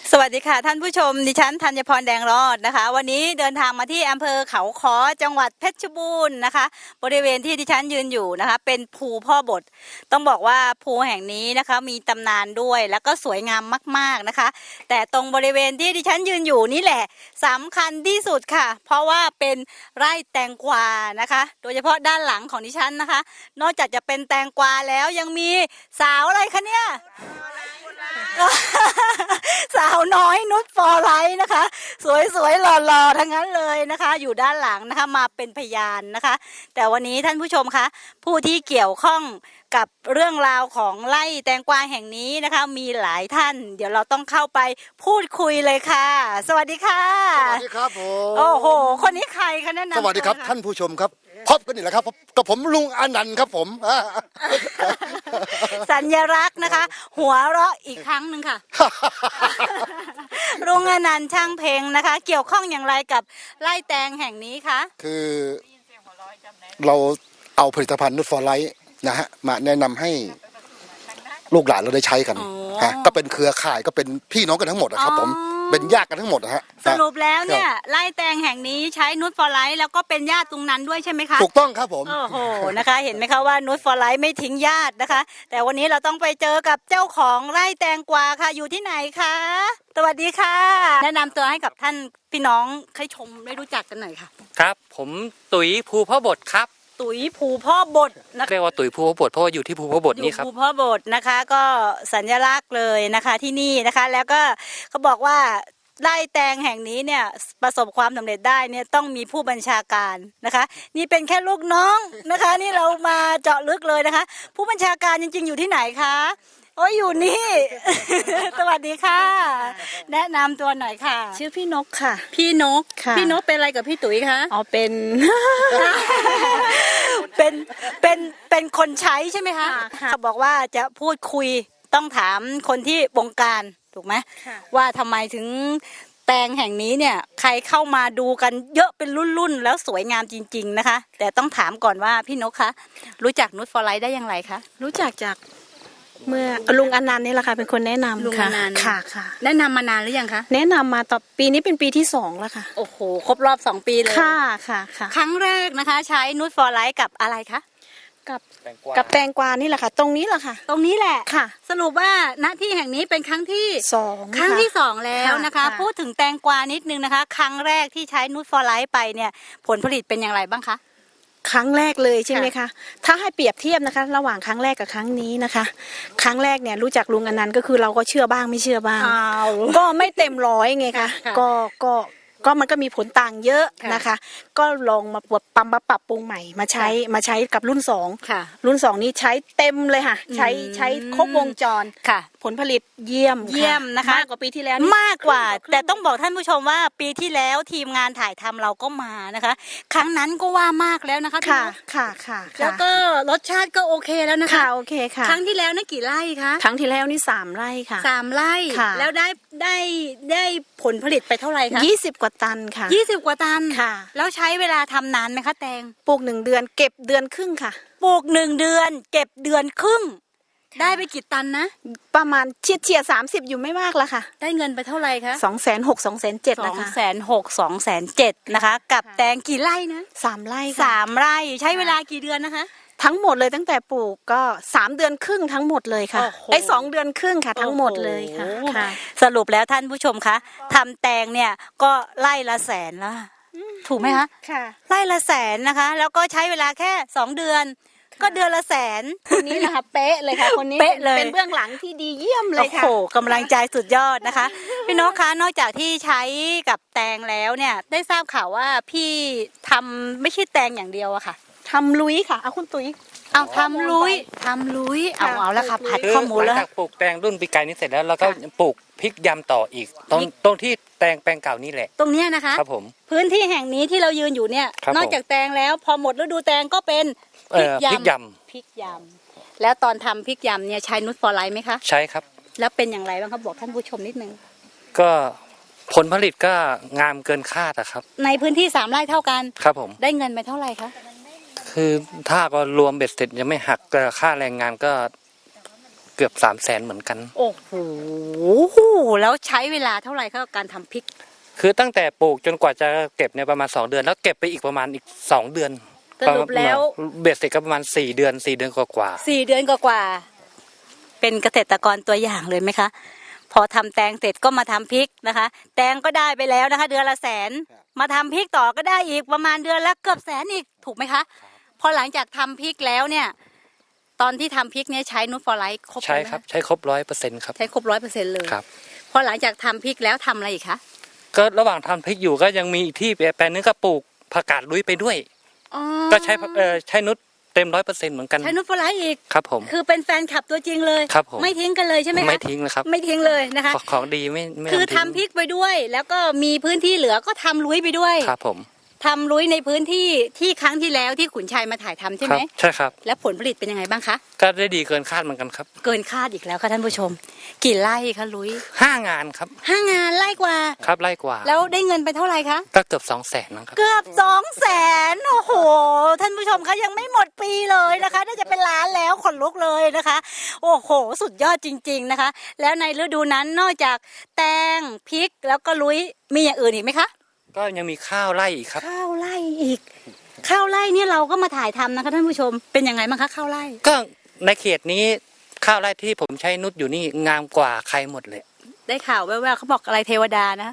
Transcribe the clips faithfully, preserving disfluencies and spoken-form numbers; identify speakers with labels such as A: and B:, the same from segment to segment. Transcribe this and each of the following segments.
A: สวัสดีค่ะท่านผู้ชมดิฉันธัญพรแดงรอดนะคะวันนี้เดินทางมาที่อำเภอเขาค้อจังหวัดเพชรบูรณ์นะคะบริเวณที่ดิฉันยืนอยู่นะคะเป็นภูพ่อบทต้องบอกว่าภูแห่งนี้นะคะมีตำนานด้วยแล้วก็สวยงามมากๆนะคะแต่ตรงบริเวณที่ดิฉันยืนอยู่นี่แหละสำคัญที่สุดค่ะเพราะว่าเป็นไร่แตงกวานะคะโดยเฉพาะด้านหลังของดิฉันนะคะนอกจากจะเป็นแตงกวาแล้วยังมีสาวอะไรคะเนี่ยสาวน้อยนุชฟอร์ไลท์นะคะสวยๆหล่อๆทั้งนั้นเลยนะคะอยู่ด้านหลังนะคะมาเป็นพยานนะคะแต่วันนี้ท่านผู้ชมคะผู้ที่เกี่ยวข้องกับเรื่องราวของไร่แตงกวาแห่งนี้นะคะมีหลายท่านเดี๋ยวเราต้องเข้าไปพูดคุยเลยค่ะสวัสดีค่ะ
B: สวัสดีครับผม
A: โอ้โหคนนี้ใครคะแนะนำ
B: สวัสดีครับท่านผู้ชมครับพบกันนี่แหละครับกับผมลุงอนันต์ครับผม
A: สัญลักษณ์นะคะหัวเราะอีกครั้งหนึ่งค่ะลุงอนันต์ช่างเพลงนะคะเกี่ยวข้องอย่างไรกับไร่แตงแห่งนี้คะ
B: คือเราเอาผลิตภัณฑ์นุชฟอร์ไลท์นะฮะมาแนะนำให้ลูกหลานเราได้ใช้กันฮะก็เป็นเครือข่ายก็เป็นพี่น้องกันทั้งหมดนะครับผมเป็นญาติกันทั้งหมดนะฮะ
A: สรุปแล้วเนี่ยไร่แตงแห่งนี้ใช้นุชฟอร์ไลท์แล้วก็เป็นญาติตรงนั้นด้วยใช่ไหมคะ
B: ถูกต้องครับผม
A: โอ้โหนะคะเห็นไหมคะว่านุชฟอร์ไลท์ไม่ทิ้งญาตินะคะแต่วันนี้เราต้องไปเจอกับเจ้าของไร่แตงกวาค่ะอยู่ที่ไหนคะสวัสดีค่ะแนะนำตัวให้กับท่านพี่น้องให้ชมได้รู้จักกันหน่อยค่ะ
C: ครับผมตุ๋ยภูพ่อบทครับ
A: ตุ๋ยภูพ่อบทนะ
C: เรียกว่าตุ๋ยภูพ่อบทเพราะว่าอยู่ที่ภูพ่อบทนี่ครับ
A: ภูพ่อบทนะคะก็สัญลักษณ์เลยนะคะที่นี่นะคะแล้วก็เขาบอกว่าไร่แตงแห่งนี้เนี่ยประสบความสำเร็จได้เนี่ยต้องมีผู้บัญชาการนะคะนี่เป็นแค่ลูกน้องนะคะนี่เรามาเจาะลึกเลยนะคะผู้บัญชาการจริงๆอยู่ที่ไหนคะโอ้ยอยู่นี่ สวัสดีค่ะแนะนำตัวหน่อยค่ะ
D: ชื่อพี่นกค่ะ
A: พี่นกพี่นกเป็นอะไรกับพี่ตุ๋ยคะ
D: อ๋อเป็น
A: เป็นเป็นเป็นคนใช้ใช่ไหมคะเขาบอกว่าจะพูดคุยต้องถามคนที่บงการถูกไหมว่าทำไมถึงแตงแห่งนี้เนี่ยใครเข้ามาดูกันเยอะเป็นรุ่นๆแล้วสวยงามจริงๆนะคะแต่ต้องถามก่อนว่าพี่นกคะรู้จักนุชฟอร์ไลท์ได้อย่างไรคะ
D: รู้จักจากเมื่อลุงอนันต์นี่แหละค่ะเป็นคนแนะนำ
A: ลุงอนันต์
D: ค่ะค่ะ
A: แนะนำมานานหรือยังคะ
D: แนะนำมาต่อปีนี้เป็นปีที่สองแล้วค่ะ
A: โอ้โหครบรอบสองปีเลย
D: ค่ะค่ะค่ะ
A: ครั้งแรกนะคะใช้นุชฟอร์ไลท์กับอะไรคะ
D: กับกับแตงกวานี่แหละค่ะตรงนี้แหละค่ะ
A: ตรงนี้แหละ
D: ค่ะ
A: สรุปว่าณที่แห่งนี้เป็นครั้งที่
D: สอง
A: ครั้งที่สองแล้วนะคะพูดถึงแตงกวานิดนึงนะคะครั้งแรกที่ใช้นุชฟอร์ไลท์ไปเนี่ยผลผลิตเป็นอย่างไรบ้างคะ
D: ครั้งแรกเลยใช่ไหมคะถ้าให้เปรียบเทียบนะคะระหว่างครั้งแรกกับครั้งนี้นะคะครั้งแรกเนี่ยรู้จักลุงอนันต์ก็คือเราก็เชื่อบ้างไม่เชื่อบ้างก็ไม่เต็มร้อยไงคะก็ก็ก็มันก็มีผลต่างเยอะนะคะก็ลองมาปรับปั๊มมาปรับปรุงใหม่มาใช้มาใช้กับรุ่นสองรุ่นสองนี้ใช้เต็มเลยค่ะใช้ใช้ครบวงจร
A: ค่ะ
D: ผลผลิตเยี่ยม
A: เยี่ยมนะคะ
D: มากกว่าปีที่แล้ว
A: มากกว่าแต่ต้องบอกท่านผู้ชมว่าปีที่แล้วทีมงานถ่ายทำเราก็มานะคะครั้งนั้นก็ว่ามากแล้วนะคะ
D: ค่ะค่ะค่ะ
A: แล้วก็รสชาติก็โอเคแล้วนะคะ
D: ค่ะโอเคค่ะ
A: ครั้งที่แล้วนี่กี่ไร่คะ
D: ครั้งที่แล้วนี่สามไร่ค่ะ
A: สามไร่แล้วได้ได้ได้ผลผลิตไปเท่าไหร่คะ
D: ยี่สิบกว่าตันค่ะ
A: ยี่สิบกว่าตัน
D: ค่ะ
A: แล้วใช้เวลาทำนานไหมคะแตง
D: ปลูกหนึ่งเดือนเก็บเดือนครึ่งค่ะ
A: ปลูกหนึ่งเดือนเก็บเดือนครึ่งได้ไปกี่ตันนะ
D: ประมาณเฉียดเฉียดสามสิบอยู่ไม่มากละค่ะ
A: ได้เงินไปเท่าไหร่คะ
D: สองแสนหกสองแสนเจ็ดนะคะ
A: สองแสนหกสองแสนเจ็ดนะคะกับแตงกี่ไร่นะ
D: สามไร่
A: สามไร่ใช้เวลากี่เดือนนะคะ
D: ทั้งหมดเลยตั้งแต่ปลูกก็สามเดือนครึ่งทั้งหมดเลยค่ะไอ้สองเดือนครึ่งค่ะทั้งหมดเลยค่ะ
A: สรุปแล้วท่านผู้ชมคะทำแตงเนี่ยก็ไร่ละแสนแล้วถูกไหมคะ
D: ค่ะ
A: ไร่ละแสนนะคะแล้วก็ใช้เวลาแค่สองเดือนก็เดือนละแสน
D: คนนี้นะคะเป๊ะเลยค่ะคนนี้
A: เป๊ะเลย
D: เป็นเบื้องหลังที่ดีเยี่ยมเลยค่ะ
A: โอ้โหกำลังใจสุดยอดนะคะพี่นกคะนอกจากที่ใช้กับแตงแล้วเนี่ยได้ทราบข่าวว่าพี่ทำไม่ใช่แตงอย่างเดียวอะค่ะ
D: ทำลุยค่ะเอาคุณตุ๋ย
A: เอาทำลุยทำลุยเอาเอาแล้วค่ะผัดข้อมูลแล้ว
C: หลังจากปลูกแตงรุ่นปีกายนี้เสร็จแล้วเราก็ปลูกพริกยำต่ออีกตรงตรงที่แตงแปลงเก่านี่แหละ
A: ตรงเนี้ยนะคะ
C: ครับผม
A: พื้นที่แห่งนี้ที่เรายืนอยู่เนี่ยนอกจากแตงแล้วพอหมดฤดูแตงก็เป็น
C: พริกยำ
A: พริกยำแล้วตอนทำพริกยำเนี่ยใช้นุชฟอร์ไลท์ไหมคะ
C: ใช่ครับ
A: แล้วเป็นอย่างไรบ้างครับบอกท่านผู้ชมนิดนึง
C: ก็ผลผลิตก็งามเกินคาดอะครับ
A: ในพื้นที่สามไร่เท่ากัน
C: ครับผม
A: ได้เงินไปเท่าไหร่คะ
C: คือถ้าก็รวมเบ็ดเสร็จยังไม่หักค่าแรงงานก็เกือบสามแสนเหมือนกัน
A: โอ้โหแล้วใช้เวลาเท่าไหร่กับการทำพริก
C: คือตั้งแต่ปลูกจนกว่าจะเก็บเนี่ยประมาณสองเดือนแล้วเก็บไปอีกประมาณอีกสองเดือน
A: สรุปแล้ว
C: เบ็ดเสร็จก็ประมาณสี่เดือนสี่เดือนกว่าๆ
A: สี่เดือนกว่าๆเป็นเกษตรกรตัวอย่างเลยไหมคะพอทำแตงเสร็จก็มาทำพริกนะคะ แตงก็ได้ไปแล้วนะคะ เดือนละแสนมาทำพริกต่อก็ได้อีกประมาณเดือนละเกือบแสนอีกถูกไหมคะพอหลังจากทำพริกแล้วเนี่ยตอนที่ทำพริกเนี่ยใช้นูตฟอร์ไลท์ครบ
C: ใช่ครับใช้ครบร้อยเปอร์เซ็นต์ครับ
A: ใช้ครบร้อยเปอร์เซ็นต์เลย
C: ครับ
A: พอหลังจากทำพริกแล้วทำอะไรอีกคะ
C: ก็ระหว่างทำพริกอยู่ก็ยังมีอีกที่แปลงนึงก็ปลูกผักกาดลุยไปด้วยก็ใช้เอ่อใช้นุชเต็มร้อยเปอร์เซ็นต์เหมือนกัน
A: ใช้นูตฟอร์ไลท์อีก
C: ครับผม
A: คือเป็นแฟนคลับตัวจริงเลย
C: ครับผม
A: ไม่ทิ้งกันเลยใช่ไหมคะ
C: ไม่ทิ้งเลยครับ
A: ไม่ทิ้งเลยนะคะ
C: ของดีไม่ไม่
A: คือทำพริกไปด้วย แล้วก็มีพื้นที่เหลือก็ทำลุยไปด้วย
C: ครับผม
A: ทำลุยในพื้นที่ที่ครั้งที่แล้วที่ขุนชัยมาถ่ายทำใช่ไหม
C: ใช่ครับ
A: แล้วผลผลิตเป็นยังไงบ้างคะ
C: ก็ได้ดีเกินคาดเหมือนกันครับ
A: เกินคาดอีกแล้วค่ะท่านผู้ชมกี่ไร่คะลุย
C: ห้างานครับ
A: ห้างานไร่กว่า
C: ครับไร่กว่า
A: แล้วได้เงินไปเท่าไหร่คะ
C: ก็เกือบสองแสนนะครับ
A: เกือบสองแสนโอ้โหท่านผู้ชมคะยังไม่หมดปีเลยนะคะน่าจะเป็นล้านแล้วขนลุกเลยนะคะโอ้โหสุดยอดจริงๆนะคะแล้วในฤดูนั้นนอกจากแตงพริกแล้วก็ลุยมีอย่างอื่นอีกไหมคะ
C: ก็ยังมีข้าวไร่อีกครับ
A: ข้าวไร่อีกข้าวไร่เนี่ยเราก็มาถ่ายทำนะคะท่านผู้ชมเป็นยังไงบ้างคะข้าวไร่
C: ก็ในเขตนี้ข้าวไร่ที่ผมใช้นุชอยู่นี่งามกว่าใครหมดเลย
A: ได้ข่าวแว่วๆเขาบอกอะไรเทวดานะ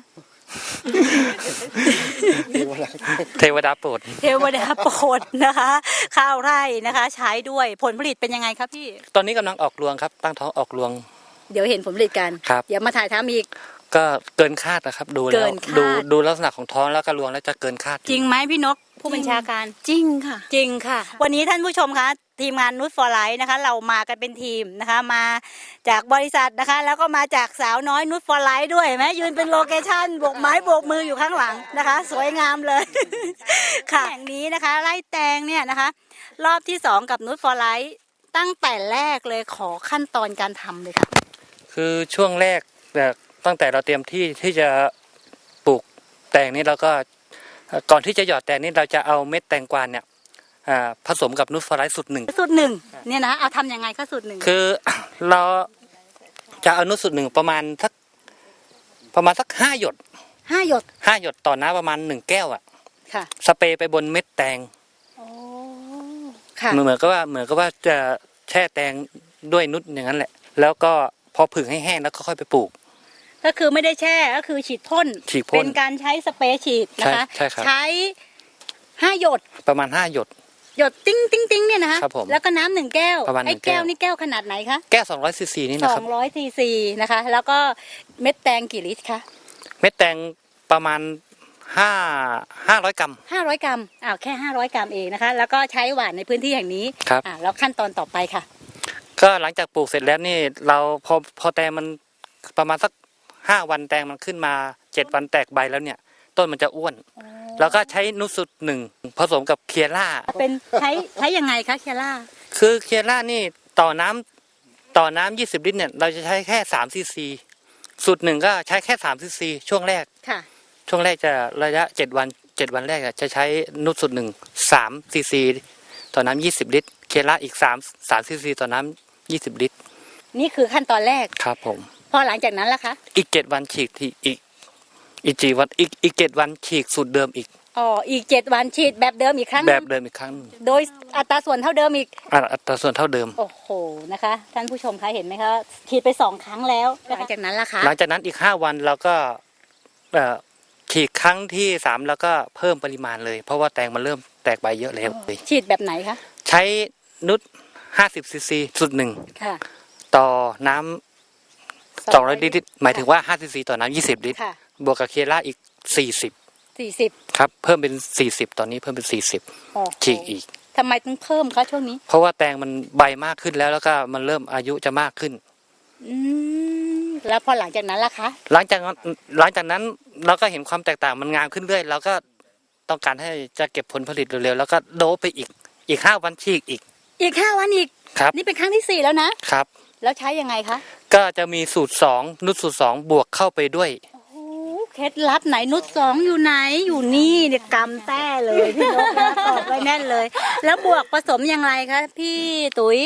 C: เทวดาโปรด
A: เทวดาโปรดนะคะข้าวไร่นะคะใช้ด้วยผลผลิตเป็นยังไงครับพี่
C: ตอนนี้กำลังออกรวงครับตั้งท้องออกรวง
A: เดี๋ยวเห็นผลผลิตกันเดี๋ยวมาถ่ายทำอีก
C: ก็เกินคาดนะครับดูแล้วดูดูลักษณะของท้องแล้วก็รวงแล้วจะเกินคาด
A: จริงไหมพี่นกผู้บัญชาการ
D: จริงค่ะ
A: จริงค่ะวันนี้ท่านผู้ชมคะทีมงานนูตฟอร์ไลท์นะคะเรามากันเป็นทีมนะคะมาจากบริษัทนะคะแล้วก็มาจากสาวน้อยนูตฟอร์ไลท์ด้วยไหมยืนเป็นโลเคชั่นโบกไม้โบกมืออยู่ข้างหลังนะคะสวยงามเลยค่ะแห่งนี้นะคะไร่แตงเนี่ยนะคะรอบที่สองกับนูตฟอร์ไลท์ตั้งแต่แรกเลยขอขั้นตอนการทำเลยค่ะ
C: คือช่วงแรกแบบตั้งแต่เราเตรียมที่ที่จะปลูกแตงนี่เราก็ก่อนที่จะหยอดแตงนี่เราจะเอาเม็ดแตงกวาเนี่ยผสมกับนูตฟอร์ไลท์สูตรหนึ่ง
A: สูตรหนึ่งเนี่ยนะเอาทำยังไงคะสูตรหนึ่ง
C: คือเราจะเอานูตสูตรหนึ่งประมาณสักประมาณสักห้าหยด
A: ห้าหยด
C: ห้าหยดต่อน้ำประมาณหนึ่งแก้วอ่ะ
A: ค่ะ
C: สเปรย์ไปบนเม็ดแตง
A: โอ้ค่ะ
C: เหมือนกับว่าเหมือนกับว่าจะแช่แตงด้วยนูตอย่างนั้นแหละแล้วก็พอผึ่งให้แห้งแล้วก็ค่อยไปปลูก
A: ก็คือไม่ได้แช่ก็คือฉีดพ่นเป็นการใช้สเปรย์ฉีดนะคะใช้ห้าหยด
C: ประมาณห้าหยด
A: หยดติ้งติ้งติ้งเนี่ยนะคะแล้วก็น้ำหนึ่งแก้วไอ้แก้วนี่แก้วขนาดไหนคะ
C: แก้วสองร้อยซีซีนี่นะครับ
A: สองร้อยซีซีนะคะแล้วก็เม็ดแตงกี่ลิตรคะ
C: เม็ดแตงประมาณห้าห้าร้อยกรัม
A: ห้าร้อยกรัมอ้าวแค่ห้าร้อยกรัมเองนะคะแล้วก็ใช้หว่านในพื้นที่แห่งนี้
C: ครับ
A: อ่าแล้วขั้นตอนต่อไปค่ะ
C: ก็หลังจากปลูกเสร็จแล้วนี่เราพอพอแตงมันประมาณสักห้าวันแตงมันขึ้นมาเจ็ดวันแตกใบแล้วเนี่ยต้นมันจะอ้วนแล้วก็ใช้นูตสูตรหนึ่งผสมกับเคียร่า
A: เป็นใช้ใช้ยังไงคะเคียร่า
C: คือเคียร่านี่ต่อน้ำต่อน้ำยี่สิบลิตรเนี่ยเราจะใช้แค่สามซีซีสูตรหนึ่งก็ใช้แค่สามซีซีช่วงแรก
A: ค่ะ
C: ช่วงแรกจะระยะเจ็ดวันเจ็ดวันแรกจะใช้นูตสูตรหนึ่งสามซีซีต่อน้ำยี่สิบลิตรเคียร่าอีกสามสามซีซีต่อน้ำยี่สิบลิตร
A: นี่คือขั้นตอนแรก
C: ครับผม
A: พอหลังจากนั้นล่ะคะ
C: อีกเจ็ดวันฉีกที่อีกอีกจีวันอีกอีกเจ็ดวันฉีกสูตรเดิมอีก
A: อ๋ออีกเจ็ดวันฉีดแบบเดิมอีกครั้ง
C: แบบเดิมอีกครั้ง
A: โดยอัตราส่วนเท่าเดิมอีก
C: อัตราส่วนเท่าเดิม
A: โอ้โหนะคะท่านผู้ชมคะเห็นไหมคะฉีดไปสองครั้งแล้วหลังจากนั้นล่ะคะ
C: หลังจากนั้นอีกห้าวันเราก็เอ่อฉีดครั้งที่สามแล้วก็เพิ่มปริมาณเลยเพราะว่าแตงมันเริ่มแตกใบเยอะแล้ว
A: ฉีดแบบไหนคะ
C: ใช้นุชห้าสิบซีซีสูตรหนึ่งต่อน้ำสองร้อยลิตรหมายถึงว่าห้าซีซีต่อน้ำยี่สิบลิตรบวกกับเคียร่าอีกสี่สิบ
A: สี่สิบ
C: ครับเพิ่มเป็นสี่สิบตอนนี้เพิ่มเป็นสี่สิบฉีกอีก
A: ทำไมต้องเพิ่มคะช่วงนี้
C: เพราะว่าแตงมันใบมากขึ้นแล้วแล้วก็มันเริ่มอายุจะมากขึ้น
A: อืมแล้วพอหลังจากนั้นล่ะคะ
C: หลังจากหลังจากนั้นเราก็เห็นความแตกต่างมันงามขึ้นเรื่อยเราก็ต้องการให้จะเก็บผลผลิตเร็วๆแล้วก็โดบไปอีกอีกห้าวันฉีกอีก
A: อีกห้าวันอีก
C: ครับ
A: นี่เป็นครั้งที่สี่แล้วนะครับแล้วใช้ยังไงคะ
C: ก็จะมีสูตรสองนุชสูตรสองบวกเข้าไปด้วย
A: เคล็ดลับไหนนุชสองอยู่ไหนอยู่นี่เนี่ยกำแต้เลยพี่นกนะตอบไว้แน่นเลยแล้วบวกผสมอย่างไรคะพี่ตุ๋ย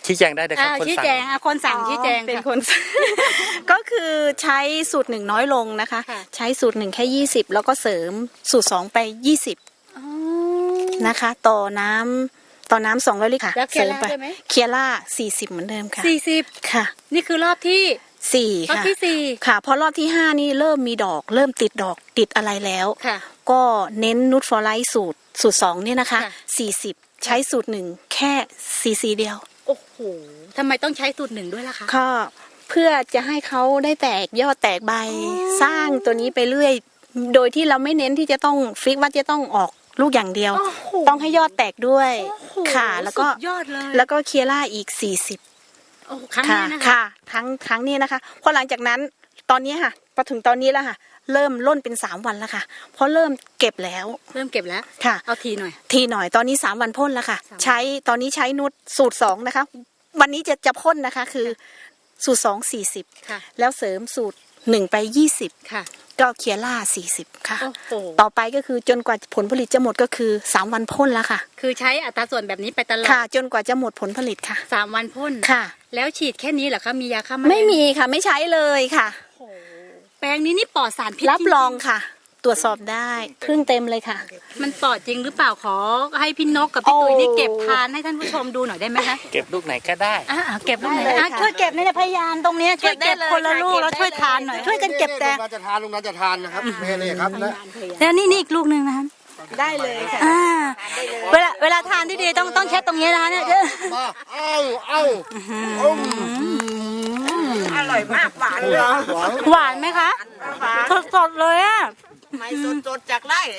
C: ชี้แจงได้เลยครับ
A: อ่า
C: คน
A: ชี้
C: สั่ง
A: แจงอ่ะคนสั่งชี้แจง
D: เป็น
A: ค่ะ
D: คน ก็คือใช้สูตรหนึ่งน้อยลงนะคะ
A: ค่ะ
D: ใช้สูตรหนึ่งแค่ยี่สิบแล้วก็เสริมสูตรสองไปยี่สิบนะคะ ต่อน้ำต่อน้ำสองร้อยลิตรค่ะ
A: แล้วเคียร่า
D: สริมไป
A: ด้วยไหม
D: เคียร่าสี่สิบเหมือนเดิมค่ะ
A: สี่สิบ
D: ค่ะ
A: นี่คือรอบที่
D: สี่
A: รอบ
D: ค่ะ
A: ที่สี่
D: ค่ะพอรอบที่ห้านี่เริ่มมีดอก เริ่มติดดอกติดอะไรแล้ว
A: ค่ะ
D: ก็เน้นนูตฟอร์ไลท์สูตรสูตรสองเนี่ยนะคะ
A: ค่ะ
D: สี่สิบใช้สูตรหนึ่งแค่ซีซีเดียว
A: โอ้โหทำไมต้องใช้สูตรหนึ่งด้วยล่ะคะ
D: ก็เพื่อจะให้เขาได้แตกยอดแตกใบ สร้างตัวนี้ไปเรื่อย โดยที่เราไม่เน้นที่จะต้องฟิกว่าจะต้องออกลูกอย่างเดียว
A: โอ้โห
D: ต้องให้ยอดแตกด้วย
A: โอ้โห
D: ค่ะ แล้วก็
A: สุดยอดเลย
D: แล้วก็เคียร่าอีกสี่สิบ
A: โอ้โหครั้ง
D: ค่ะ
A: นี้นะคะ
D: ค่ะทั้งทั้งนี้นะคะพอหลังจากนั้นตอนนี้ค่ะพอถึงตอนนี้แล้วค่ะ เริ่มล่นเป็นสามวันแล้วค่ะเพราะเริ่มเก็บแล้ว
A: เริ่มเก็บแล้ว
D: ค่ะ
A: เอาทีหน่อย
D: ทีหน่อยตอนนี้สามวันพ่นแล้วค่ะ
A: สามวัน
D: ใช้ตอนนี้ใช้นุชสูตรสองนะคะ วันนี้จะจะพ่นนะคะ คือสูตรสองสี่สิบ
A: ค่ะ
D: แล้วเสริมสูตรหนึ่งไปยี่สิบ
A: ค่ะ
D: ก็เคียร่าสี่สิบค่ะ
A: โอ้โห
D: ต่อไปก็คือจนกว่าผลผลิตจะหมดก็คือสามวันพ่นแล้วค่ะ
A: คือใช้อัตราส่วนแบบนี้ไปตลอด
D: ค่ะ จนกว่าจะหมดผลผลิตค่ะ
A: สามวันพ่น
D: ค่ะ
A: แล้วฉีดแค่นี้เหรอคะมียาฆ่าแมลง
D: ไม่มีค่ะไม่ใช้เลยค่ะ
A: โอ้โหแปลงนี้นี่ปลอดสารพิษ
D: รับรองค่ะ ตรวจสอบได้ครึ่งเต็มเลยค่ะ
A: มันปลอดจริงหรือเปล่าขอให้พี่นกกับพี่ตุ้ย
D: โอ้
A: นี่เก็บทานให้ท่านผู้ชมดูหน่อยได้ไหมคะ
C: เก็บลูกไหนก็ได้
A: อ่าเก็บลูกไหน
D: ได้เลย
A: อ่ะ
D: ค่ะ
A: ช่วยเก็บในพยานตรงเนี้ยช่วยเก็บ
D: เก็บได้เลย
A: คนละลูก
D: ค่ะ
A: แล้วช่วยทานหน่อย
D: เก็บได้เลย
A: ช่วยกันเก็บแตง
B: ลุงนันจะทานลุงนันจะทานนะครับนี่นี่ครับนะ
A: แล้วนี่นี่อีกลูกหนึ่งนะคะ
D: ได้เลยค่ะ
A: อ่าเวลาเวลาทานที่ดีต้องต้องเช็ดตรงนี้นะคะเนี่ย
B: มาเอ้าเอ้าอืม
E: อร่อยมากหวานเลย
B: หวาน
A: หวานไหมคะ
E: หวาน
A: สดๆเลยอ่ะ
E: ไม่สดสดๆจากไร่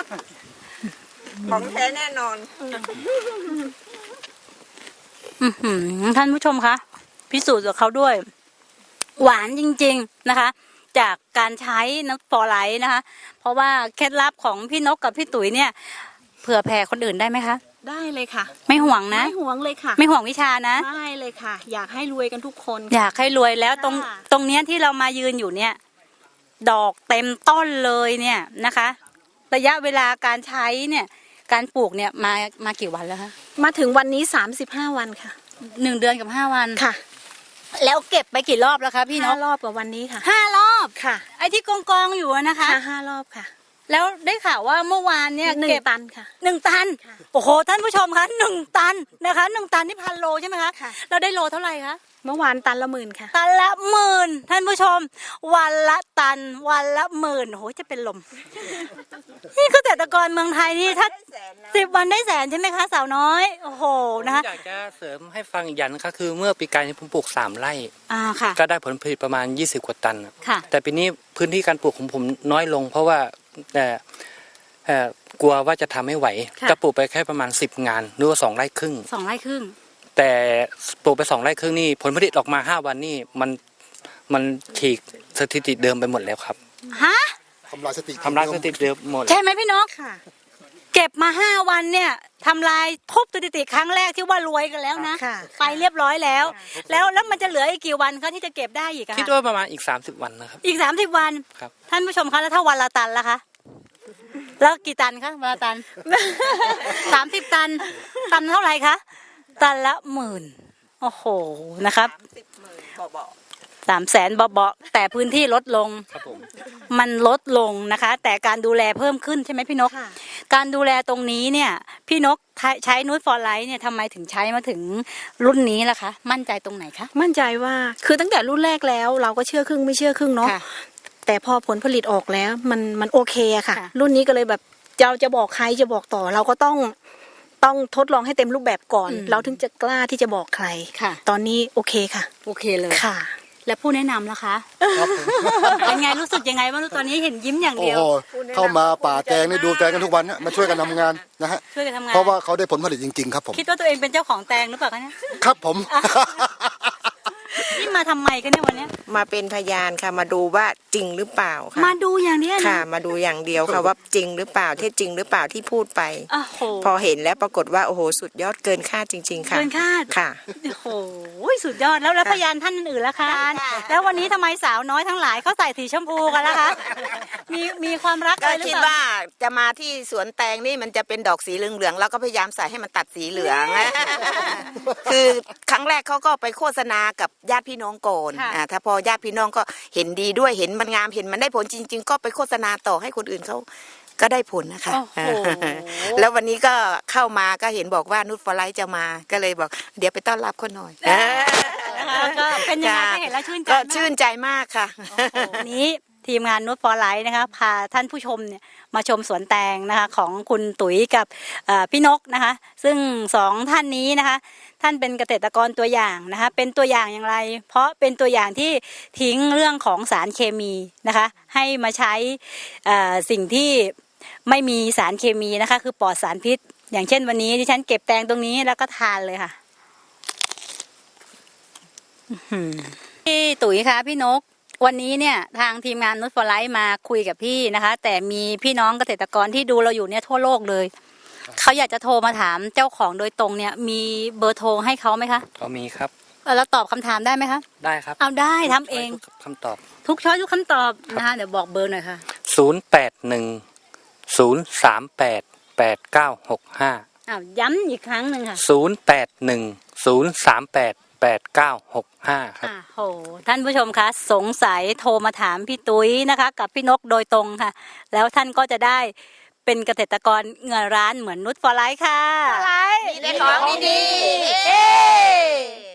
E: ของแท้แน่นอน
A: อื้อหือท่านผู้ชมคะพิสูจน์กับเขาด้วย หวานจริงๆนะคะ จากการใช้น้ำฟอร์ไลท์นะคะ เพราะว่าเคล็ดลับของพี่นกกับพี่ตุ๋ยเนี่ยเผื่อแผ่คนอื่นได้ไหมคะ
D: ได้เลยค่ะ
A: ไม่ห่วงนะ
D: ไม่หวงเลยค่ะ
A: ไม่ห่วงวิชานะ
D: ได้เลยค่ะ อยากให้รวยกันทุกคน
A: อยากให้รวยแล้วตรง
D: ค่ะ
A: ตรงเนี้ยที่เรามายืนอยู่เนี่ย ดอกเต็มต้นเลยเนี่ยนะคะ ระยะเวลาการใช้เนี่ย การปลูกเนี่ยมามากี่วันแล้วคะ
D: มาถึงวันนี้สามสิบห้าวันค่ะ
A: หนึ่งเดือนกับห้าวัน
D: ค่ะ
A: แล้วเก็บไปกี่รอบแล้วคะพี่น
D: ห้าก รอบกับวันนี้ค่ะ
A: ห้ารอบ
D: ค่ะ
A: ไอ้ที่กองกองๆอยู่อะนะคะ
D: ค่ะห้ารอบค่ะ
A: แล้วได้ข่าวว่าเมื่อวานเนี่ย
D: หนึ่ง
A: เก็บ
D: ตันค่ะ
A: หนึ่งตัน
D: ค่ะ
A: โอ้โหท่านผู้ชมคะหนึ่งตันนะคะหนึ่งตันนี่พันโลใช่ไหมคะ
D: ค่ะ
A: เราได้โลเท่าไหร่คะ
D: เมื่อวานตันละหมื่นค่ะ
A: ตันละหมื่นท่านผู้ชม วันละตัน วันละหมื่นโอ้โหจะเป็นลม นี่เกษตรกรเมืองไทยนี่ถ้าสิบวันได้แสนใช่ไหมคะสาวน้อยโอ้โหนะคะ
C: อยากจะเสริมให้ฟังอีกอย่างนะคะคือเมื่อปีกายนี้ผมปลูกสามไร่
A: อ่าค่ะ
C: ก็ได้ผลผลิตประมาณยี่สิบกว่าตันน่ะ
A: ค่ะ
C: แต่ปีนี้พื้นที่การปลูกของผมน้อยลง เพราะว่าเอ่อเอ่อกลัวว่าจะทำไม่ไหว
A: ค่ะ
C: ก็ปลูกไปแค่ประมาณสิบงานหรือว่าสองไร่ครึ่ง
A: สองไร่ครึ่ง
C: แต่ปลูกไปสองไร่ครึ่งนี่ผลผลิตออกมาห้าวันนี่มันมันฉีกสถิติเดิมไปหมดแล้วครับ
A: ฮะ
B: ทำลายสติ
C: ทำลายสถิติเดิมหมด
A: ใช่ไหมพี่นก
D: ค่ะ
A: เก็บมาห้าวันเนี่ยทำลายทุบสถิติครั้งแรกที่ว่ารวยกันแล้วนะ
D: ค่ะ
A: ไปเรียบร้อยแล้ว แล้วแล้วมันจะเหลืออีกกี่วันคะที่จะเก็บได้อีกอะ
C: คิด
A: คะ
C: ว่าประมาณอีกสามสิบวันนะครับ
A: อีกสามสิบวัน
C: ครับ
A: ท่านผู้ชมคะแล้วถ้าวันละตันล่ะคะ แล้วกี่ตันคะวันละตัน สามสิบตัน ตันเท่าไหร่คะ ตันละหมื่น โอ้โห นะครับ
E: สิบหมื่นเบา
A: สามแสนเบาๆแต่พื้นที่ลดลง
C: ครับผม
A: มันลดลงนะคะ แต่การดูแลเพิ่มขึ้นใช่ไหมพี่นก
D: ค่ะ
A: การดูแลตรงนี้เนี่ย พี่นกใช้นูตฟอร์ไลท์เนี่ยทำไมถึงใช้มาถึงรุ่นนี้ล่ะคะ มั่นใจตรงไหนคะ
D: มั่นใจว่าคือตั้งแต่รุ่นแรกแล้ว เราก็เชื่อครึ่งไม่เชื่อครึ่งเนาะ
A: ค่ะ
D: แต่พอผลผลิตออกแล้วมันมันโอเคอะค่ะ
A: ค่ะ
D: รุ่นนี้ก็เลยแบบเราจะบอกใครจะบอกต่อ เราก็ต้องต้องทดลองให้เต็มรูปแบบก่อน เราถึงจะกล้าที่จะบอกใคร
A: ค่ะ
D: ตอนนี้โอเคค่ะ
A: โอเคเลย
D: ค่ะ
A: และผู้แนะนำล่ะคะ
B: ครับผม
A: เป็นไงรู้สึกยังไงบ้างตอนนี้เห็นยิ้มอย่าง
B: โอ้
A: เดียว
B: โหเข้ามาป่าแตงนี่ดูแตงกันทุกวันนะมาช่วยกันทำงานนะฮะ
A: ช่วยกันทำงาน
B: เพราะว่าเขาได้ผลผลิตจริงๆครับผม
A: คิดว่าตัวเองเป็นเจ้าของแตงหรือเปล่าคะเนี่ย
B: ครับผม
A: นี่มาทำไมกันเนี่ยวันเนี้ย
E: มาเป็นพยานค่ะมาดูว่าจริงหรือเปล่าค่ะ
A: มาดูอย่างเนี้ย
E: ค่ะ
A: นะ
E: มาดูอย่างเดียวค่ะว่าจริงหรือเปล่าเท็จจริงหรือเปล่าที่พูดไป
A: โอ้โห
E: พอเห็นแล้วปรากฏว่าโอ้โหสุดยอดเกินคาดจริง ๆ ค่ะ
A: เกินคาด
E: ค่ะ
A: โอ้โหสุดยอดแล้วแล้วพยานท่านอื่นๆล่ะคะแล้ววันนี้ทำไมสาวน้อยทั้งหลายเขาใส่สีชมพูกันล่ะคะมีมีความรักอะ
F: ก็
A: ไรหรือ
F: คิด
A: เปล่า
F: ว่าจะมาที่สวนแตงนี่มันจะเป็นดอกสีเหลืองๆแล้วก็พยายามใส่ให้มันตัดสีเหลือง คือครั้งแรกเขาก็ไปโฆษณากับญาติพี่น้องก่อน
A: ค่ะ
F: อ่าถ้าพอญาติพี่น้องก็เห็นดีด้วยเห็นมันงามเห็นมันได้ผลจริง ๆ ก็ไปโฆษณาต่อให้คนอื่นเขาก็ได้ผลนะคะ
A: โอ้โห
F: แล้ววันนี้ก็เข้ามาก็เห็นบอกว่านุชฟอร์ไลท์จะมาก็เลยบอก เดี๋ยวไปต้อนรับคนหน่อย
A: นะคะก็เป็นยังไง
F: ค่ะ
A: ก็เห็นแล้วชื่นใจ
F: ก็
A: มาก
F: ชื่นใจมากค่ะ
A: วันนี้ทีมงานนุชฟอร์ไลท์นะคะพาท่านผู้ชมเนี่ยมาชมสวนแตงนะคะของคุณตุ๋ยกับเอ่อพี่นกนะคะ ซึ่งสองท่านนี้นะคะ ท่านเป็นเกษตรกรตัวอย่างนะคะ เป็นตัวอย่างอย่างไร เพราะเป็นตัวอย่างที่ทิ้งเรื่องของสารเคมีนะคะ ให้มาใช้เอ่อสิ่งที่ไม่มีสารเคมีนะคะ คือปลอดสารพิษ อย่างเช่นวันนี้ที่ฉันเก็บแตงตรงนี้แล้วก็ทานเลยค่ะอื้อหือพี่ตุ๋ยคะพี่นก วันนี้เนี่ยทางทีมงานนุชฟอร์ไลท์มาคุยกับพี่นะคะ แต่มีพี่น้องเกษตรกรที่ดูเราอยู่เนี่ยทั่วโลกเลยเขาอยากจะโทรมาถามเจ้าของโดยตรงเนี่ยมีเบอร์โทรให้เขาไหมคะ
C: ก็มีครับ
A: เออแล้วตอบคำถามได้ไหมคะ
C: ได้ครับ
A: เอาได้ทำเอง
C: ทุกคำตอบ
A: ทุกช้อยทุกคำตอบนะคะเดี๋ยวบอกเบอร์หน่อยค่ะ
C: ศูนย์แปดหนึ่งศูนย์สามแปดแปดเก้าหกห้า
A: อ้าวย้ำอีกครั้งหนึ่งค่ะ
C: ศูนย์แปดหนึ่งศูนย์สามแปดแปดเก้าหกห้าครับ
A: อ่าโหท่านผู้ชมคะสงสัยโทรมาถามพี่ตุ้ยนะคะ กับพี่นกโดยตรงค่ะ แล้วท่านก็จะได้เป็นเกษตรกรเงินร้านเหมือนนุชฟอร์ไลท์ค่ะ
F: มีแต่ของดีๆ